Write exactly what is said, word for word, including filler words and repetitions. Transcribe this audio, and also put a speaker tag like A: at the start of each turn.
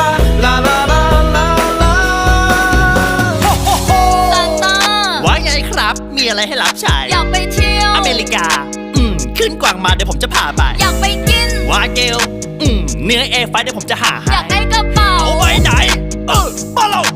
A: ลาลาลาลาลาโฮโฮโฮ
B: ซานต้า
C: ว่าไงครับ มีอะไรให้รับใช้
B: อยากไปเที่ยว
C: อเมริกา อืม ขึ้นกวางมาเดี๋ยวผมจะพาไป
B: อยากไปกิน
C: วาเกล อืม เนื้อเอไฟเดี๋ยวผมจะหาให้
B: อยากได้กระเป๋า
C: เอาไว้ไหน เออมาเรา